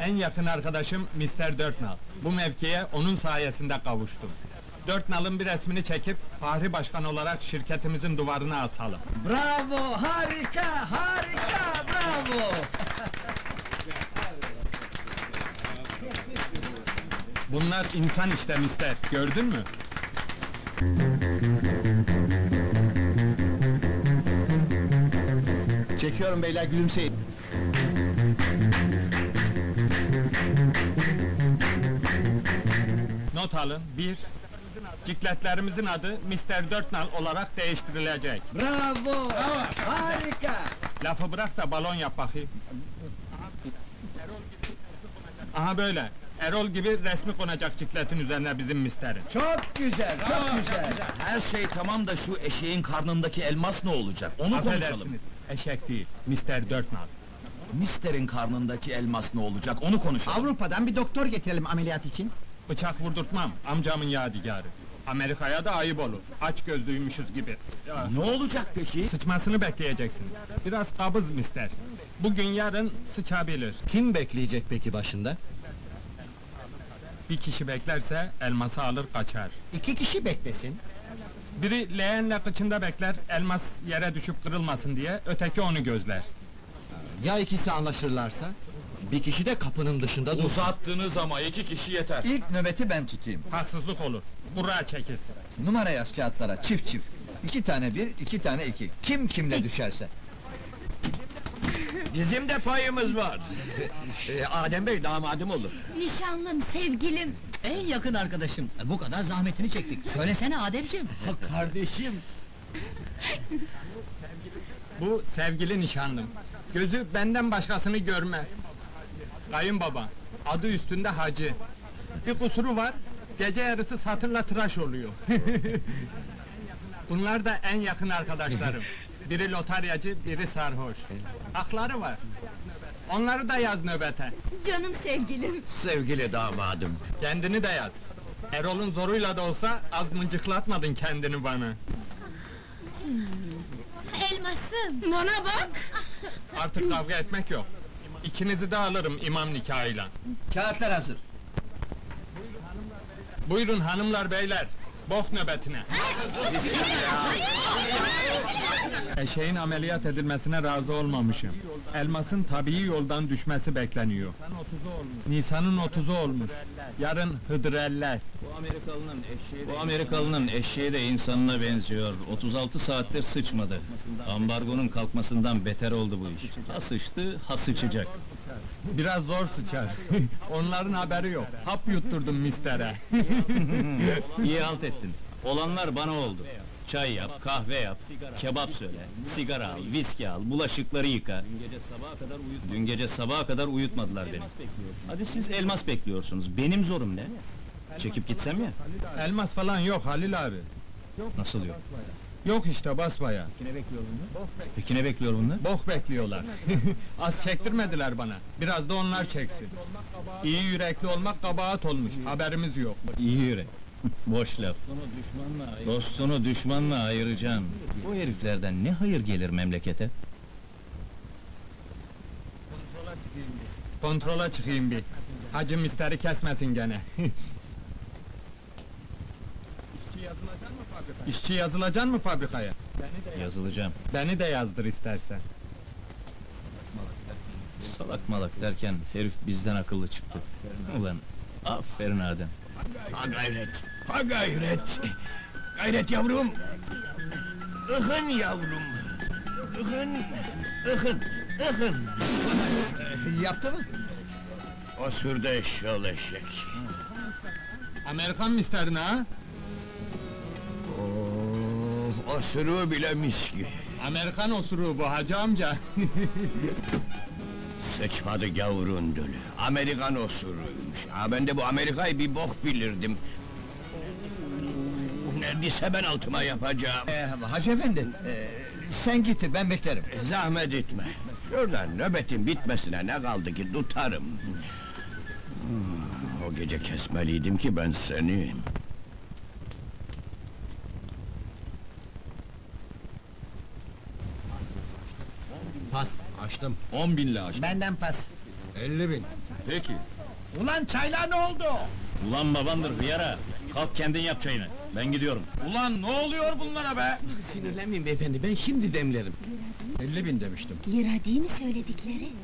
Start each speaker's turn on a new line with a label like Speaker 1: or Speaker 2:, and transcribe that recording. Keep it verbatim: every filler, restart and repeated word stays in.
Speaker 1: En yakın arkadaşım mister Dörtnal. Bu mevkiye onun sayesinde kavuştum. Dörtnal'ın bir resmini çekip Fahri Başkan olarak şirketimizin duvarına asalım.
Speaker 2: Bravo, harika, harika, bravo!
Speaker 1: Bunlar insan işte mister, gördün mü?
Speaker 2: Çekiyorum beyler, gülümseyin.
Speaker 1: Not alın, bir... Cikletlerimizin adı mister Dörtnal olarak değiştirilecek.
Speaker 2: Bravo, harika!
Speaker 1: Lafı bırak da balon yap bakayım. Aha böyle. Erol gibi resmi konacak cikletin üzerine bizim misterin.
Speaker 2: Çok güzel, çok güzel!
Speaker 3: Her şey tamam da şu eşeğin karnındaki elmas ne olacak? Onu konuşalım.
Speaker 1: Affedersiniz, eşek değil, mister Dörtnal.
Speaker 3: Mister'in karnındaki elmas ne olacak? Onu konuşalım.
Speaker 2: Avrupa'dan bir doktor getirelim ameliyat için.
Speaker 1: Bıçak vurdurtmam, amcamın yadigarı. Amerika'ya da ayıp olur, aç gözlüymüşüz gibi. Ya,
Speaker 3: Ne olacak peki?
Speaker 1: sıçmasını bekleyeceksiniz. Biraz kabız mister. Bugün yarın sıçabilir.
Speaker 2: Kim bekleyecek peki başında?
Speaker 1: Bir kişi beklerse elması alır kaçar.
Speaker 2: İki kişi beklesin.
Speaker 1: Biri leğenle kıçında bekler, elmas yere düşüp kırılmasın diye, öteki onu gözler.
Speaker 2: Ya ikisi anlaşırlarsa? Bir kişi de kapının dışında dursun.
Speaker 3: Uzattınız ama iki kişi yeter.
Speaker 4: İlk nöbeti ben tutayım.
Speaker 1: Haksızlık olur, kura çekilsin.
Speaker 4: Numara yaz kağıtlara, çift çift. İki tane bir, iki tane iki. Kim kimle düşerse.
Speaker 5: Bizim de payımız var. Ee, Adem Bey damadım olur.
Speaker 6: Nişanlım, sevgilim.
Speaker 7: En yakın arkadaşım. Bu kadar zahmetini çektik. Söylesene Ademciğim.
Speaker 4: Kardeşim.
Speaker 1: Bu sevgili nişanlım. Gözü benden başkasını görmez. Kayınbaba, adı üstünde hacı. Bir kusuru var, gece yarısı satırla tıraş oluyor. Bunlar da en yakın arkadaşlarım. Biri lotaryacı, biri sarhoş. Hakları var. Onları da yaz nöbete.
Speaker 6: Canım sevgilim.
Speaker 5: Sevgili damadım.
Speaker 1: Kendini de yaz. Erol'un zoruyla da olsa az mıncıklatmadın kendini bana.
Speaker 6: Elmasım. Bana bak.
Speaker 1: Artık kavga etmek yok. İkinizi de alırım imam nikahıyla.
Speaker 4: Kağıtlar hazır.
Speaker 1: Buyurun hanımlar beyler, bok nöbetine. Eşeğin ameliyat edilmesine razı olmamışım. Elmasın tabii yoldan düşmesi bekleniyor. Nisan'ın otuzu olmuş. Yarın Hıdrellez.
Speaker 8: Bu Amerikalının eşeği de insanına benziyor. otuz altı saattir sıçmadı. Ambargonun kalkmasından beter oldu bu iş. Ha sıçtı, ha sıçacak.
Speaker 1: Biraz zor sıçar. Onların haberi yok. Hap yutturdum mistere.
Speaker 8: İyi halt ettin. Olanlar bana oldu. Çay yap, kahve yap, kebap söyle, sigara al, viski al, bulaşıkları yıka. Dün gece sabaha kadar uyutmadılar beni. Hadi siz elmas bekliyorsunuz, benim zorum ne? Çekip gitsem ya?
Speaker 1: Elmas falan yok Halil abi.
Speaker 8: Nasıl yok?
Speaker 1: Yok işte basbaya.
Speaker 8: Peki ne bekliyor bunlar?
Speaker 1: Bok bekliyorlar. Az çektirmediler bana. Biraz da onlar çeksin. İyi yürekli olmak kabahat olmuş. Haberimiz yok.
Speaker 8: İyi yürek. Boş laf. Dostunu düşmanla ayıracaksın. Bu heriflerden ne hayır gelir memlekete?
Speaker 1: Kontrola çıkayım bir. Hacı misteri kesmesin gene. İşçi yazılacan mı fabrikaya?
Speaker 8: Yazılacağım.
Speaker 1: Beni de yazdır istersen.
Speaker 8: Salak malak derken herif bizden akıllı çıktı. Ulan aferin Adem.
Speaker 5: Ha gayret, ha gayret. Gayret yavrum. Ihın yavrum. Ihın, ıhın, ıhın.
Speaker 4: Yaptı mı?
Speaker 5: O sürde eşşoğlu eşek.
Speaker 1: Amerikan misterine ha?
Speaker 5: Oh, o sürü bile miski.
Speaker 1: Amerikan osuruğu bu hacı amca.
Speaker 5: Sıçmadı gavurun dölü. Amerikan osuruymuş. Ha ben de bu Amerika'yı bir bok bilirdim. Neredeyse ben altıma yapacağım.
Speaker 4: Ee, Hacı efendi, ee, sen git, ben beklerim.
Speaker 5: Zahmet etme. Şuradan nöbetin bitmesine ne kaldı ki tutarım. Hmm, O gece kesmeliydim ki ben seni.
Speaker 2: Pas, açtım.
Speaker 3: On binle aç.
Speaker 2: Benden pas.
Speaker 1: elli bin.
Speaker 5: Peki.
Speaker 4: Ulan çaylar ne oldu?
Speaker 8: Ulan babandır hıyara! Kalk kendin yap çayını, ben gidiyorum.
Speaker 5: Ulan ne oluyor bunlara be?
Speaker 9: Sinirlenmeyin beyefendi, ben şimdi demlerim.
Speaker 4: elli bin demiştim.
Speaker 6: Lira değil mi söyledikleri?